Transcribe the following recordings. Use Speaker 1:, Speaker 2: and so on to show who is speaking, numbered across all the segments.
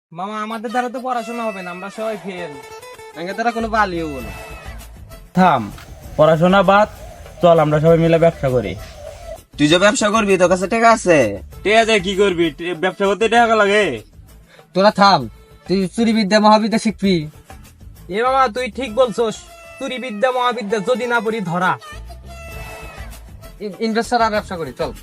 Speaker 1: মামা আমাদের দ্বারা তো পড়াশোনা হবে না, আমরা সবাই ফেল।
Speaker 2: আমাদের দ্বারা কোনো বালিও বলো।
Speaker 3: থাম, পড়াশোনা বাদ, চল আমরা সবাই মিলে ব্যবসা করি।
Speaker 2: তুই যে ব্যবসা করবি তোর কাছে টাকা আছে?
Speaker 3: ঠিক আছে, কি করবি? ব্যবসা করতে টাকা লাগে।
Speaker 2: তোরা থাম, তুই চুরি বিদ্যা মহাবিদ্যা শিখবি।
Speaker 1: এ মামা তুই ঠিক বলছস, চুরি বিদ্যা মহাবিদ্যা যদি না পড়ি ধরা।
Speaker 2: ইনভেস্টার আর ব্যবসা করি, চল।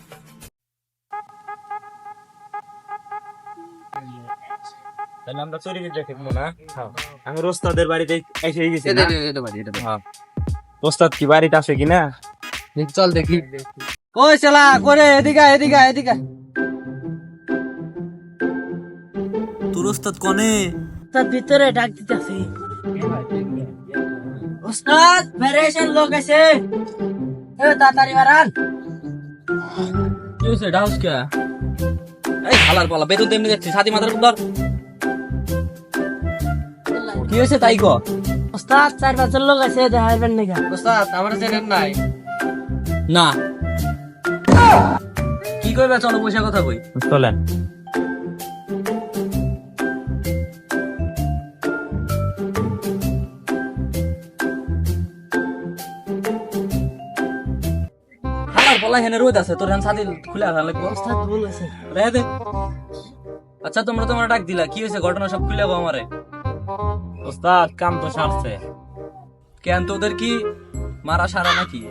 Speaker 3: তাহলে আমরা চুরি বিদ্যা শিখবো না? আমি ওস্তাদের বাড়িতে এসে গেছি না? হ্যাঁ। ওস্তাদ কি বাড়িতে আসে কিনা?
Speaker 2: চল দেখি। ওই শালা করে এদিকে এদিকে এদিকে।
Speaker 4: তোর ওস্তাদ কনে?
Speaker 5: তার ভিতরে ডাক দিতেছে। ওস্তাদ ফেরেশন লোক আছে, এ তাড়াতাড়ি বাড়ান।
Speaker 4: কি হয়েছে ডাউস কে? এই হালার পালা বেতন তেমনি যাচ্ছে সাথী মাথার উপর। কি হয়েছে তাই কো?
Speaker 5: ওস্তাদ 4-5 লোক আছে, দেখাইবেন নাকি?
Speaker 2: ওস্তাদ আমার চেনেন নাই?
Speaker 4: না কি কইবে? চলো পয়সা কথা কই।
Speaker 3: চলেন।
Speaker 4: হালার পালা হেনে রোদ আছে, তোর হান সাথী খুলে আসা লাগবে।
Speaker 5: ওস্তাদ ভুল আছে।
Speaker 4: রেহে দে। আচ্ছা তোমরা তোমার ডাক দিলা, কি হয়েছে ঘটনা সব খুলে গো আমারে।
Speaker 3: ওস্তাদ কাম তো সারছে।
Speaker 4: কেন তোদের কি মারা সারা নাকি?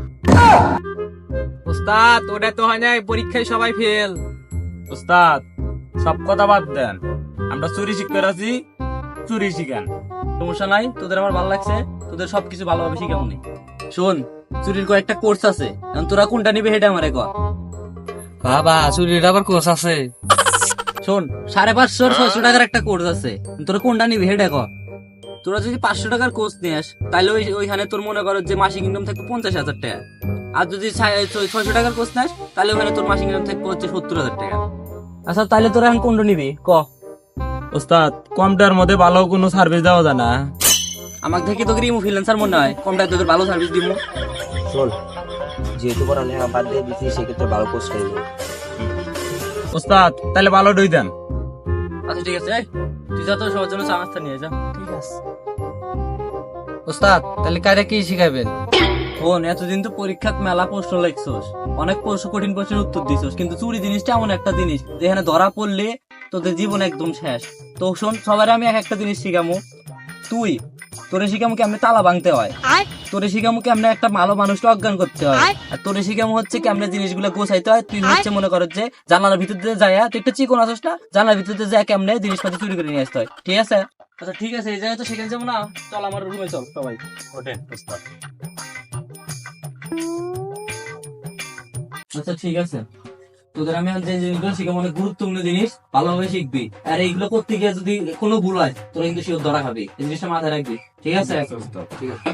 Speaker 1: ওস্তাদ ওটা তো হয় না, পরীক্ষায় সবাই ফেল।
Speaker 3: ওস্তাদ সব কথা বাদ দেন, আমরা চুরি শিখতে আছি, চুরি শিখান।
Speaker 4: সমস্যা নাই, তোদের আমার ভালো লাগছে, তোদের সবকিছু ভালোভাবে শিখাবো নি। শোন, চুরির কয়েকটা কোর্স আছে, এখন তোরা কোনটা নিবি হেডে আমারে কর।
Speaker 2: বাবা চুরির আবার কোর্স আছে?
Speaker 4: শোন, 550-600 টাকার একটা কোর্স আছে, তোরা কোনটা নিবি হেডে কর। তোরা যদি 500 টাকার কোর্স নিস তাহলে ওইখানে তোর মনে করো যে মাসিক ইনকাম থাকবে 50,000 টাকা। আর যদি 600 টাকার কোর্স নিস তাহলে ওখানে তোর মাসিক ইনকাম থাকবে হচ্ছে 70,000 টাকা। আচ্ছা তাহলে তোরা এখন কোনটা নিবি ক।
Speaker 3: ওস্তাদ কমটার মধ্যে ভালো কোনো সার্ভিস দেওয়া যায় না?
Speaker 4: আমাকে দেখি তোকে রিমু ফ্রিল্যান্সার মনে হয়, কমটায় তোদের ভালো সার্ভিস দিব।
Speaker 2: শোন, যেহেতু পড়ালেখা বাদ দিয়ে দিচ্ছি সেক্ষেত্রে ভালো কোর্স খাইবে।
Speaker 3: ওস্তাদ তাহলে ভালো ডই দেন।
Speaker 4: আচ্ছা ঠিক আছে, এই, তুই যা তো সবার জন্য চা নাস্তা নিয়ে যা।
Speaker 5: ঠিক আছে।
Speaker 2: ওস্তাদ তাহলে কারে কি শিখাবেন?
Speaker 4: শোন, এতদিন তো পরীক্ষাত মেলা প্রশ্ন লিখছস, অনেক প্রশ্ন কঠিন প্রশ্নের উত্তর দিছস, কিন্তু চুরি জিনিসটা এমন একটা জিনিস যেখানে ধরা পড়লে তোদের জীবন একদম শেষ। তো শোন, সবার আমি এক একটা জিনিস শিখামু। তোরে শিখামু কেমনে তালা ভাঙতে হয়, তোরে শিখামু কেমনে একটা ভালো মানুষকে অজ্ঞান করতে হয়, আর তোরে শিখামু হচ্ছে কেমনে জিনিসগুলো গোছাইতে হয়। তুই হচ্ছে মনে কর যে জানালার ভিতর দিয়ে যায়, তুই একটা চিকন আসস না, জানালার ভিতর দিয়ে যায় কেমনে জিনিসপাতি চুরি করে নিয়ে আসতে হয়। ঠিক আছে? আচ্ছা ঠিক আছে, এই জায়গায় তো সেখানে যাবো না, চল আমার রুমে চল সবাই।
Speaker 3: ওঠেন ওস্তাদ।
Speaker 4: আচ্ছা ঠিক আছে, তোদের আমি যে জিনিসগুলো শিখাবো অনেক গুরুত্বপূর্ণ জিনিস, ভালোভাবে শিখবি। আর এইগুলো করতে গিয়ে যদি কোনো ভুল হয় তোরা কিন্তু শিওর ধরা খাবি, এই জিনিসটা মাথায় রাখবি। ঠিক আছে? ঠিক আছে।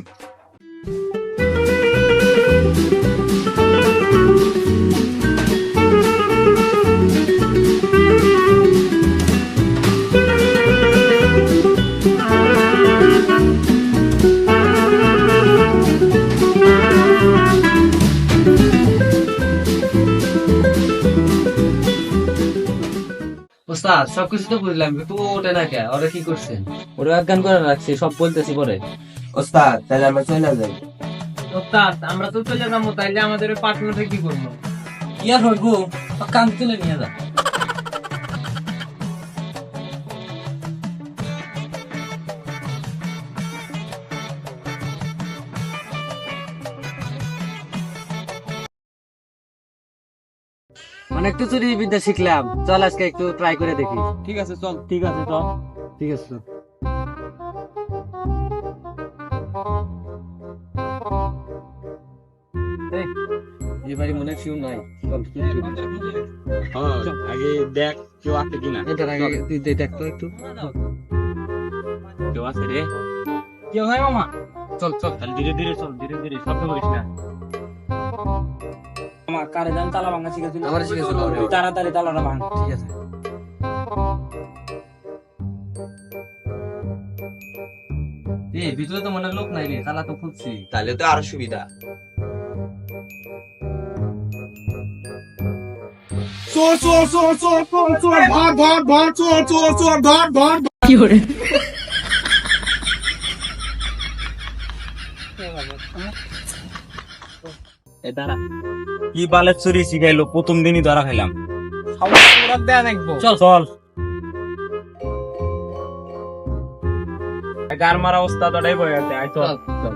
Speaker 2: ওস্তাদ সবকিছু তো বুঝলাম, কিন্তু ওটা না কে, ওরা কি করছেন?
Speaker 4: ওরা অজ্ঞান করে রাখছি, সব বলতেছি পরে।
Speaker 2: ওস্তাদ তাহলে আমরা চলে যাই।
Speaker 1: ওস্তাদ আমরা তো চলে যাবো, তাইলে আমাদের পার্টনারটা কি করবো?
Speaker 4: কি আর হইব, কান তুলে নিয়ে যা।
Speaker 2: অনেক তো চুরি বিদ্যা শিখলাম, চল আজকে একটু ট্রাই করে দেখি।
Speaker 1: ঠিক আছে চল।
Speaker 3: ঠিক আছে চল।
Speaker 2: ঠিক আছে। এবারে মনে হয় শিউ নাই।
Speaker 3: হ্যাঁ, আগে দেখ কেউ আছে কিনা।
Speaker 2: এটার আগে তুই দেখ তো একটু।
Speaker 3: কেউ আছে রে?
Speaker 1: কি হয় মামা?
Speaker 2: চল চল।
Speaker 3: তাহলে ধীরে ধীরে চল, ধীরে ধীরে, শব্দ করিস না।
Speaker 4: আমার কারে জান তালা ভাঙা শিখেছিল,
Speaker 2: আমার শিখেছিল।
Speaker 4: তুই তাড়াতাড়ি তালাটা ভাঙ।
Speaker 2: ঠিক আছে। ভিতরে তো মনে লোক নাই রে, তালা তো খুলছি।
Speaker 6: তাহলে তো আরো সুবিধা।
Speaker 4: এ দাঁড়া,
Speaker 3: কি বালের চুরি শিখাইলো, প্রথম দিনই ধরা খাইলাম।
Speaker 1: সবাই দেয়া নাকবো।
Speaker 4: চল
Speaker 3: চল গার মারা ওস্তাদ ওটাই বয়ে গেছে, আয় চল।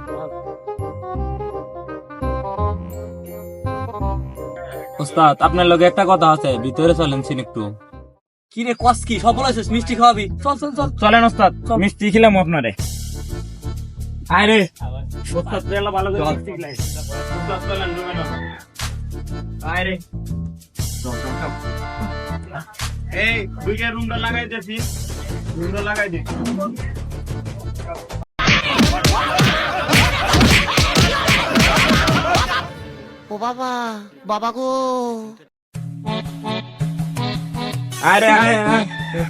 Speaker 3: ওস্তাদ আপনার লগে একটা কথা আছে, ভিতরে চলেন সিন একটু।
Speaker 4: কি রে কস কি সব বলেছিস, মিষ্টি খাওয়াবি, চল চল চল।
Speaker 3: চলেন ওস্তাদ, মিষ্টি খেলাম আপনারে। আয় রে ওস্তাদ, তুই ভালো করে মিষ্টি খেলাই। ওস্তাদ চলেন রুমে চল। আয় রে এই দুইটা রুমটা লাগাই দিছি, রুমটা লাগাই দে।
Speaker 6: ও বাবা, বাবা গো।
Speaker 3: আরে আয় আয়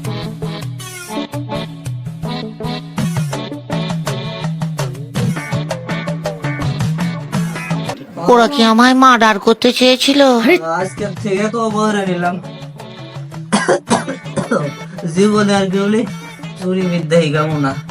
Speaker 6: ওরা কি আমায় মার্ডার করতে চেয়েছিল?
Speaker 5: আজকে থেকে তো বলে নিলাম জীবনে আর কেউ চুরি বিদ্যা হিগামো না।